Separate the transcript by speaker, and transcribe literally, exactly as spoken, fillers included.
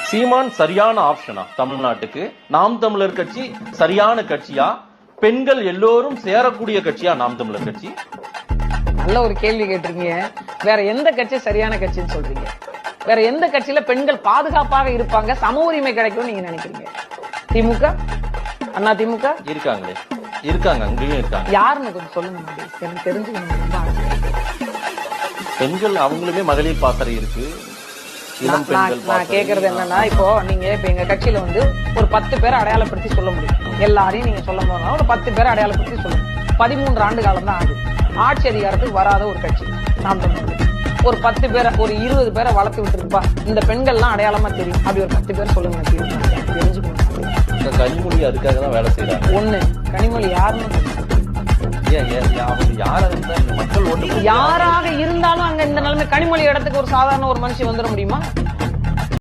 Speaker 1: சீமான் சரியான ஆப்ஷனா தமிழ்நாட்டுக்கு? நாம் தமிழர் கட்சி சரியான கட்சியா? பெண்கள் எல்லோரும் சேரக்கூடிய கட்சியா நாம் தமிழர் கட்சி?
Speaker 2: நல்ல ஒரு கேள்வி கேட்டிருக்கீங்க. வேற எந்த கட்சி சரியான கட்சின்னு சொல்றீங்க? வேற எந்த கட்சியில பெண்கள் பாதுகாப்பாக இருப்பாங்க, சம உரிமை கிடைக்கும் நீங்க நினைக்கிறீங்க? திமுக, அண்ணா திமுக
Speaker 1: இருக்காங்களே, இருக்காங்க, அங்கேயும் இருக்காங்க.
Speaker 2: யாருன்னு கொஞ்சம் சொல்லுங்க, எனக்கு தெரிஞ்சுக்கணும்.
Speaker 1: பெண்கள் அவங்களுமே மகளிர் பாசறை இருக்கு.
Speaker 2: நான் கேக்குறது என்னன்னா, இப்போ நீங்க இப்ப எங்க கட்சியில வந்து ஒரு பத்து பேரை அடையாளப்படுத்தி சொல்ல முடியும். எல்லாரையும் நீங்க சொல்ல போனா ஒரு பத்து பேரை அடையாளப்படுத்தி சொல்லுங்க. பதிமூன்று ஆண்டு காலம் தான் ஆகுது. ஆட்சி அதிகாரத்துக்கு வராத ஒரு கட்சி நாம் தமிழர். ஒரு பத்து பேரை, ஒரு இருபது பேரை வளர்த்து விட்டுருப்பா, இந்த பெண்கள்லாம் அடையாளமா தெரியும். அப்படி ஒரு பத்து பேர் சொல்லுங்க, தெரிஞ்சுக்கணும்.
Speaker 1: கனிமொழி அதுக்காக தான் வேலை செய்யறாங்க.
Speaker 2: ஒண்ணு, கனிமொழி யாருன்னு
Speaker 1: மக்கள்
Speaker 2: யாராக இருந்தாலும் அங்க இந்த நிலைமை, கனிமொழி இடத்துக்கு ஒரு சாதாரண ஒரு மனுஷன் வந்துட முடியுமா?